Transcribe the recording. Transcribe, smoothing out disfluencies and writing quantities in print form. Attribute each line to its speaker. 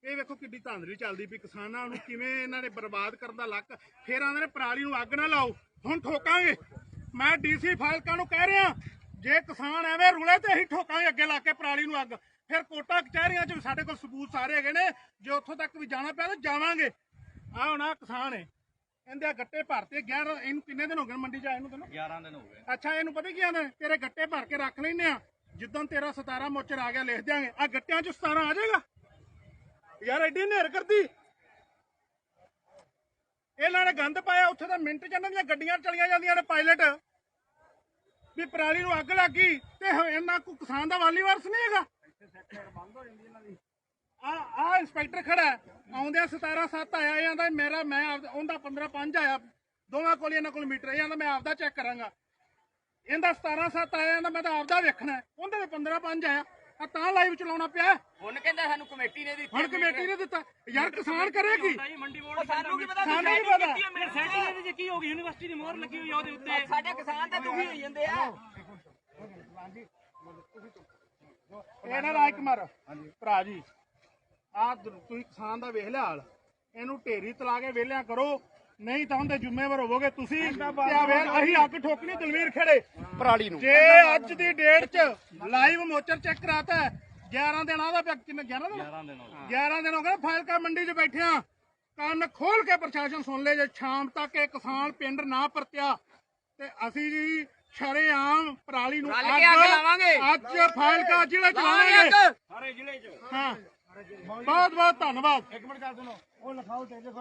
Speaker 1: ਇਹ ਵੇਖੋ ਕਿੱਡੀ ਧਾਂਦਲੀ ਚੱਲਦੀ ਪਈ ਕਿਸਾਨਾਂ ਨੂੰ ਕਿਵੇਂ ਇਹਨਾਂ ਨੇ ਬਰਬਾਦ ਕਰਨ ਦਾ ਲੱਕ। ਫੇਰ ਆਂਦੇ ਨੇ ਪਰਾਲੀ ਨੂੰ ਅੱਗ ਨਾ ਲਾਓ, ਹੁਣ ਠੋਕਾਂਗੇ। ਮੈਂ ਡੀਸੀ ਫਾਜ਼ਿਲਕਾ ਨੂੰ ਕਹਿ ਰਿਹਾ ਜੇ ਕਿਸਾਨ ਐਵੇਂ ਰੁਲੇ ਤੇ ਅਸੀਂ ਠੋਕਾਂਗੇ ਅੱਗੇ ਲਾ ਕੇ ਪਰਾਲੀ ਨੂੰ ਅੱਗ। ਫਿਰ ਕੋਟਾ ਕਚਹਿਰੀਆਂ 'ਚ ਵੀ ਸਾਡੇ ਕੋਲ ਸਬੂਤ ਸਾਰੇ ਹੈਗੇ ਨੇ, ਜੇ ਉੱਥੋਂ ਤੱਕ ਵੀ ਜਾਣਾ ਪਿਆ ਤਾਂ ਜਾਵਾਂਗੇ। ਆਹ ਹੁਣ ਆਹ ਕਿਸਾਨ ਹੈ, ਇਹਦੇ ਗੱਟੇ ਭਰਤੇ 11 ਇਹਨੂੰ ਕਿੰਨੇ ਦਿਨ ਹੋ ਗਏ ਮੰਡੀ 'ਚ ਆਏ ਨੂੰ? ਤੈਨੂੰ 11 ਦਿਨ ਹੋ ਗਏ। ਅੱਛਾ ਇਹਨੂੰ ਪਤਾ ਕੀ ਆਂਦੇ ਤੇਰੇ ਗੱਟੇ ਭਰ ਕੇ ਰੱਖ ਲੈਨੇ ਆ, ਜਿੱਦਾਂ ਤੇਰਾ 17 ਮੋਚਰ ਆ ਗਿਆ ਲਿਖ ਦਿਆਂਗੇ। ਆ ਗੱਟਿਆਂ 'ਚ 17 ਆ ਜਾਏਗਾ ਯਾਰ, ਐਡੀ ਨੇਰ ਕਰਦੀ। ਇਹਨਾਂ ਨੇ ਗੰਦ ਪਾਇਆ ਉੱਥੇ ਤਾਂ ਮਿੰਟ 'ਚ ਇਹਨਾਂ ਦੀਆਂ ਗੱਡੀਆਂ ਚਲੀਆਂ ਜਾਂਦੀਆਂ ਨੇ ਪਾਇਲਟ ਵੀ ਪਰਾਲੀ ਨੂੰ ਅੱਗ ਲੱਗ ਗਈ ਤੇ ਇਹਨਾਂ ਕੋ ਕਿਸਾਨ ਦਾ ਵਾਲੀ ਵਾਰਸ ਨਹੀਂ ਹੈਗਾ। ਆ ਇੰਸਪੈਕਟਰ ਖੜਾ ਆਉਂਦਿਆਂ 17/7 ਆਇਆ, ਇਹ ਆਂਦਾ ਮੇਰਾ ਮੈਂ ਉਹਦਾ 15/5 ਆਇਆ, ਦੋਵਾਂ ਕੋਲ ਇਹਨਾਂ ਕੋਲ ਮੀਟਰ। ਇਹ ਆਂਦਾ ਮੈਂ ਆਪਦਾ ਚੈੱਕ ਕਰਾਂਗਾ। ਇਹਦਾ 17/7 ਆਇਆ, ਇਹਦਾ ਮੈਂ ਤਾਂ ਆਪਦਾ ਵੇਖਣਾ। ਉਹਦੇ ਤੇ 15/5 ਆਇਆ, ਆ ਤਾਂ ਲਾਈਵ ਚਲਾਉਣਾ ਪਿਆ।
Speaker 2: ਹੁਣ ਕਹਿੰਦਾ ਸਾਨੂੰ ਕਮੇਟੀ ਨੇ ਦਿੱਤੀ,
Speaker 1: ਹੁਣ ਕਮੇਟੀ ਨੇ ਦਿੱਤਾ ਯਾਰ, ਕਿਸਾਨ ਕਰੇਗੀ।
Speaker 3: ਮੰਡੀ ਬੋਰਡ
Speaker 2: ਸਾਨੂੰ ਕੀ ਪਤਾ
Speaker 1: ਸਾਨੂੰ ਨਹੀਂ ਪਤਾ
Speaker 3: ਸੈਟਿੰਗ ਇਹਦੇ 'ਚ ਕੀ ਹੋ ਗਈ, ਯੂਨੀਵਰਸਿਟੀ ਦੀ ਮੋਹਰ ਲੱਗੀ ਹੋਈ ਆ ਉਹਦੇ ਉੱਤੇ।
Speaker 2: ਸਾਡੇ ਕਿਸਾਨ ਤਾਂ ਦੁਖੀ ਹੋਈ ਜਾਂਦੇ ਆ।
Speaker 1: ਇਹ ਨਾ ਰਾਜਕੁਮਾਰ ਭਰਾ ਜੀ, ਆ ਤੁਸੀਂ ਕਿਸਾਨ ਦਾ ਵੇਖ ਲਿਆ ਹਾਲ। ਇਹਨੂੰ ਢੇਰੀ ਤਲਾ ਕੇ ਵਿਹਲਿਆਂ ਕਰੋ, ਨਹੀਂ ਤਾਂ ਉਹਦੇ ਜ਼ਿੰਮੇਵਾਰ ਹੋਵੋਗੇ ਤੁਸੀਂ। ਅਸੀਂ ਅੱਗ ਠੋਕਣੀ ਦਲਵੀਰ ਖੇੜੇ
Speaker 4: ਪਰਾਲੀ ਨੂੰ।
Speaker 1: ਜੇ ਅੱਜ ਦੀ ਡੇਟ 'ਚ ਲਾਈਵ ਮੋਚਰ ਚੈੱਕ ਕਰਾਤਾ 11 ਦਿਨ ਆਦਾ ਪਿਆ। ਕਿੰਨੇ 11 ਦਿਨ ਹੋ ਗਏ ਫਾਜ਼ਿਲਕਾ ਮੰਡੀ 'ਚ ਬੈਠਿਆਂ। ਕੰਨ ਖੋਲ ਕੇ ਪ੍ਰਸ਼ਾਸਨ ਸੁਣ ਲੈ, ਜੇ ਸ਼ਾਮ ਤੱਕ ਇਹ ਕਿਸਾਨ ਪਿੰਡ ਨਾ ਪਰਤਿਆ ਤੇ ਅਸੀਂ ਜੀ ਸ਼ਰੇਆਮ ਪਰਾਲੀ ਨੂੰ
Speaker 2: ਅੱਗ ਲਾਵਾਂਗੇ।
Speaker 1: ਅੱਜ ਫਾਜ਼ਿਲਕਾ ਜ਼ਿਲ੍ਹੇ 'ਚ ਲਾਵਾਂਗੇ,
Speaker 2: ਸਾਰੇ ਜ਼ਿਲ੍ਹੇ 'ਚ।
Speaker 1: ਹਾਂ ਬਹੁਤ ਬਹੁਤ ਧੰਨਵਾਦ। ਇੱਕ ਮਿੰਟ ਕਰ ਸੁਣੋ, ਉਹ ਲਿਖਾਓ ਤੇ